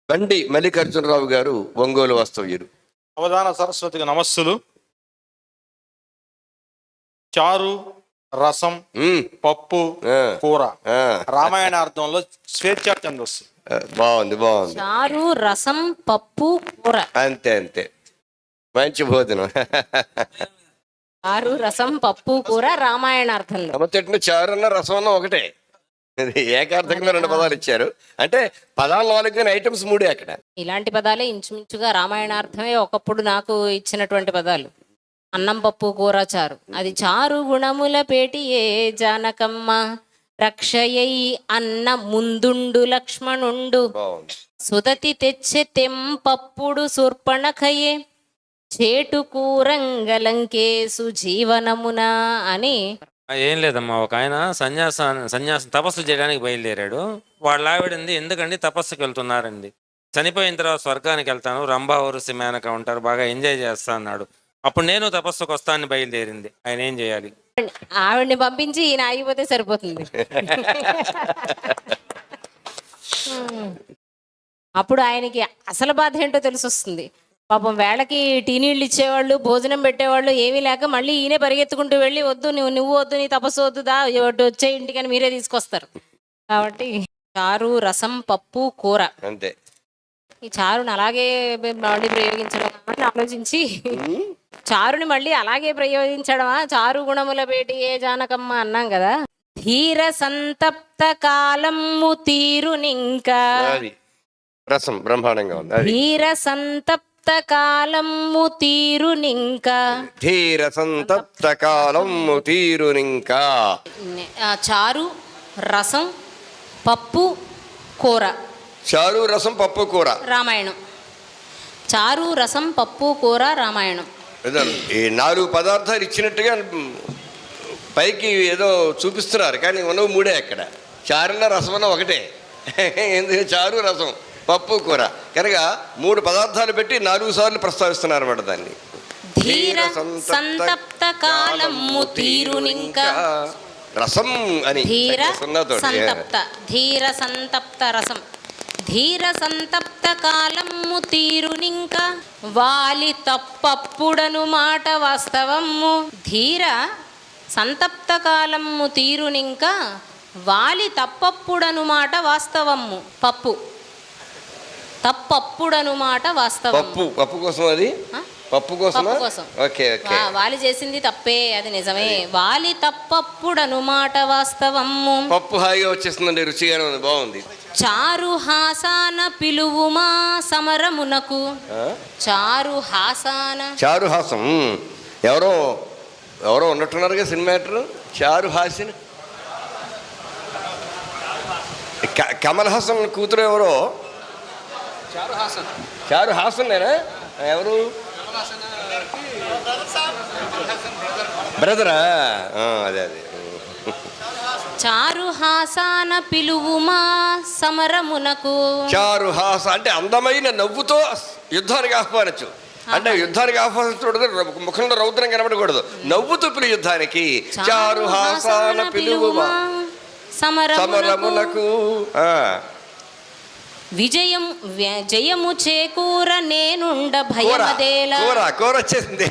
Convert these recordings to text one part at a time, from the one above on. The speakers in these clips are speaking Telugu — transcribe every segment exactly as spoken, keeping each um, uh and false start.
బండి మల్లికార్జునరావు గారు ఒంగోలు వాస్తవ్యులు. అవధాన సరస్వతికి నమస్సులు. చారు, రసం, ఉమ్, పప్పు, ఆ, కూర ఆ. రామాయణార్థంలో స్వేచ్ఛా ఛందస్సు. ఆ, బాగుంది బాగుంది. చారు, రసం, పప్పు, కూర. అంతే అంతే, మంచి భోజనం. చారు, రసం, పప్పు, కూర రామాయణార్థంలో. అమ్మతెట్టిన చారు అన్న రసం అన్న ఒకటే, ఇది ఏకార్థంగా రెండు పదాలు ఇచ్చారు. అంటే పదాలు నాలుగు కానీ ఐటమ్స్ మూడే అక్కడ. ఇలాంటి పదాలే ఇంచుమించుగా రామాయణార్థమే ఒకప్పుడు నాకు ఇచ్చినటువంటి పదాలు. అన్నం, పప్పు, కూర, చారు. అది చారు గుణముల పేటి ఏ జానకమ్మ రక్షయై అన్న ముందుండు లక్ష్మణుండు బాగుంది. సుదతి తెచ్చె తెంపప్పుడు శూర్పణఖయే చేటు కూరంగలంకేసు జీవనమున అని. ఏం లేదమ్మా, ఒక ఆయన సన్యాస సన్యాసం తపస్సు చేయడానికి బయలుదేరాడు. వాళ్ళ ఆవిడంది, ఎందుకండి తపస్సుకి వెళ్తున్నారండి, చనిపోయిన తర్వాత స్వర్గానికి వెళ్తాను, రంభావరుసి మేనక ఉంటారు, బాగా ఎంజాయ్ చేస్తా అన్నాడు. అప్పుడు నేను తపస్సుకు వస్తానని బయలుదేరింది. ఆయన ఏం చేయాలి? ఆవిడ్ని పంపించి ఈయన ఆగిపోతే సరిపోతుంది. అప్పుడు ఆయనకి అసలు బాధ ఏంటో తెలిసొస్తుంది. పాపం వేళకి టీ నీళ్ళు ఇచ్చేవాళ్ళు, భోజనం పెట్టేవాళ్ళు ఏమీ లేక మళ్ళీ ఈయనే పరిగెత్తుకుంటూ వెళ్ళి, వద్దు నువ్వు నువ్వు వద్దు నీ తపస్సు వద్దు, దా వచ్చే ఇంటికని మీరే తీసుకొస్తారు. కాబట్టి చారు, రసం, పప్పు, కూర. అంతే. ఈ చారుని అలాగే మళ్ళీ ప్రయోగించడం అని ఆలోచించి, చారుని మళ్ళీ అలాగే ప్రయోగించడమా, చారు గుణముల పేటి ఏ జానకమ్మ అన్నాం కదా. ధీర సంతప్త కాలము తీరునింకా అది రసం బ్రహ్మాండంగా ఉంది. అది ధీర సంతప్త కాలము తీరునింకా ధీర సంతప్త కాలము తీరునింకా. ఆ, చారు, రసం, పప్పు, కూర చారు, రసం, పప్పు, కూర రామాయణం. చారు, రసం, పప్పు, కూర రామాయణం. ఏదో ఈ నాలుగు పదార్థాలు ఇచ్చినట్టుగా పైకి ఏదో చూపిస్తున్నారు, కానీ ఉన్నవి మూడే అక్కడ. చారున్న రసమన్న ఒకటే. ఎందుకు చారు, రసం, పప్పు, కూర కనుక మూడు పదార్థాలు పెట్టి నాలుగు సార్లు ప్రస్తావిస్తున్నారు అన్నమాట దాన్ని. ధీర సంతప్త కాలము తీరునింకా రసం అని ధీర సున్నాతోటి. సంతప్త ధీర సంతప్త రసం. ధీర సంతప్త కాలము తీరునింక వాలి తప్పప్పుడను మాట వాస్తవము. ధీర సంతప్త కాలము తీరునింక వాలి తప్పప్పుడను మాట వాస్తవము. పప్పు తప్పప్పుడను మాట వాస్తవం. పప్పు పప్పు కోసం అది ఆ? పప్పు కోసం. పప్పు కోసం. Okay okay. వా- వాలి చేసింది తప్పే, అది నిజమే. వాలి తప్పప్పుడను మాట వాస్తవము. పప్పు హాయిగా వచ్చేస్తుందండి, రుచిగానే ఉంది, బాగుంది. చారు హాసాన పిలువుమా సమరమునకు. ఆ? చారు హాసాన చారు హాసం ఎవరో ఎవరో ఉన్నట్టున్నారుగా సినిమా యాక్టర్. చారు హాసిన్ క- కమల్ హాసన్ కూతురు ఎవరో. చారు హాసన్ నేనా? ఎవరు? బ్రదరా? ఆ, అదే అదే. చారు హాసాన పిలువుమా సమరమునకు. చారు హాస అంటే అందమైన నవ్వుతో యుద్ధానికి ఆహ్వానించు. అంటే యుద్ధానికి ఆహ్వానించకూడదు, ముఖంలో రౌద్రం కనబడకూడదు, నవ్వుతూ పిలు యుద్ధానికి. చారు హాసాన పిలువుమా సమరమునకు. ఆ, విజయం వ్య- జయము చేకూర నేనుండ కూర భయమదేల. కూర కూర వచ్చేసింది.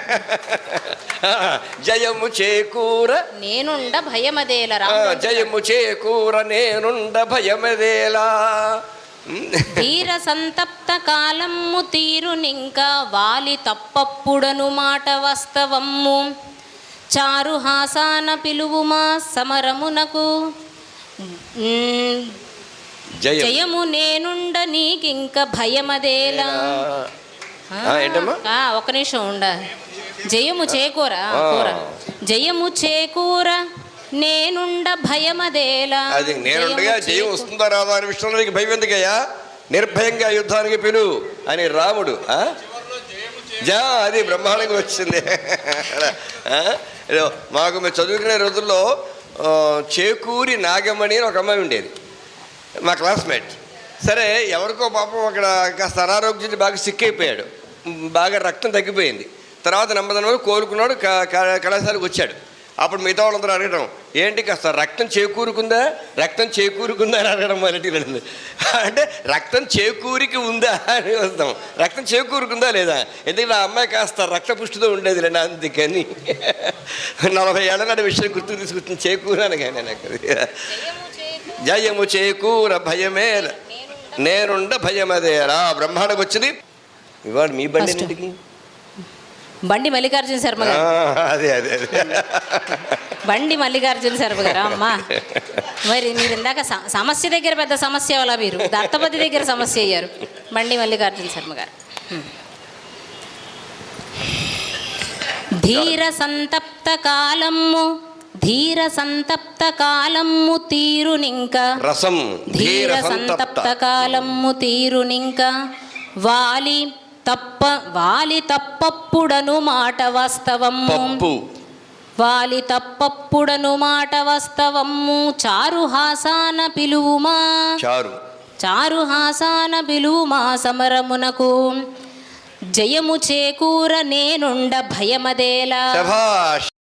జయము చేకూర నేనుండ భయమదేల. ఆ, జయము చేకూర నేనుండ భయమదేలా. ధీర సంతప్త కాలము తీరునింక వాలి తప్పప్పుడను మాట వాస్తవము. చారు హాసాన పిలువుమా సమరమునకు. ఉమ్, జయం జయము నేనుండ నీకింక భయమదేలా. ఆ, ఏంటమ్మా? ఆ, ఒక నిమిషం ఉండ. జయము చేకూర ఆ. కూర జయము చేకూర నేనుండ భయమదేలా. అది నేనుండగా జయము జయం చేకూ- వస్తుందా రాదా అని విషయంలో నీకు భయం ఎందుకయ్యా? నిర్భయంగా యుద్ధానికి పిలు అని రాముడు. ఆ? జా అది బ్రహ్మాండంగా వచ్చింది. ఆ? ఏదో మాకు మేము చదువుకునే రోజుల్లో ఆ, చేకూరి నాగమణి అని ఒక అమ్మాయి ఉండేది, మా క్లాస్మేట్. సరే ఎవరికో పాపం అక్కడ కాస్త అనారోగ్యం బాగా సిక్ అయిపోయాడు, బాగా రక్తం తగ్గిపోయింది. తర్వాత నెమ్మదిన కోలుకున్నాడు, క- క- కళాశాలకు వచ్చాడు. అప్పుడు మిగతా వాళ్ళందరూ అడగడం, ఏంటి కాస్త రక్తం చేకూరుకుందా రక్తం చేకూరుకుందా అని అడగడం మొదటి. అంటే రక్తం చేకూరికి ఉందా అని వస్తాం, రక్తం చేకూరుకుందా లేదా, ఎందుకంటే ఆ అమ్మాయి కాస్త రక్తపుష్టితో ఉండేది రండి, అందుకని నలభై ఏళ్ళ నాటి విషయం గుర్తు తీసుకొచ్చింది చేకూరాను కానీ నాకు. జయము చేకూర భయమే నేనుండ భయమదేరా బ్రహ్మాండకు వచ్చింది. ఇవాళ మీ బండి ఇంటికి బండి మల్లికార్జున శర్మ గారు. అదే అదే అదే బండి మల్లికార్జున శర్మ గారు. అమ్మా మరి మీరు ఇందాక స- సమస్య దగ్గర పెద్ద సమస్య వల్ల మీరు దత్తపతి దగ్గర సమస్య అయ్యారు. బండి మల్లికార్జున శర్మ గారు. హ్మ్. ధీర సంతప్త కాలము ధీర సంతప్త కాలము తీరునింక రసం ధీర సంతప్త కాలము తీరునింక వాలి తప్ప వాలి తప్పప్పుడను మాట వాస్తవము పప్పు వాలి తప్పప్పుడను మాట వాస్తవము చారుహాసాన పిలువుమా చారు చారుహాసాన పిలువుమా సమరమునకు జయము చేకూర నేనుండ భయమదేలా. శభాష్.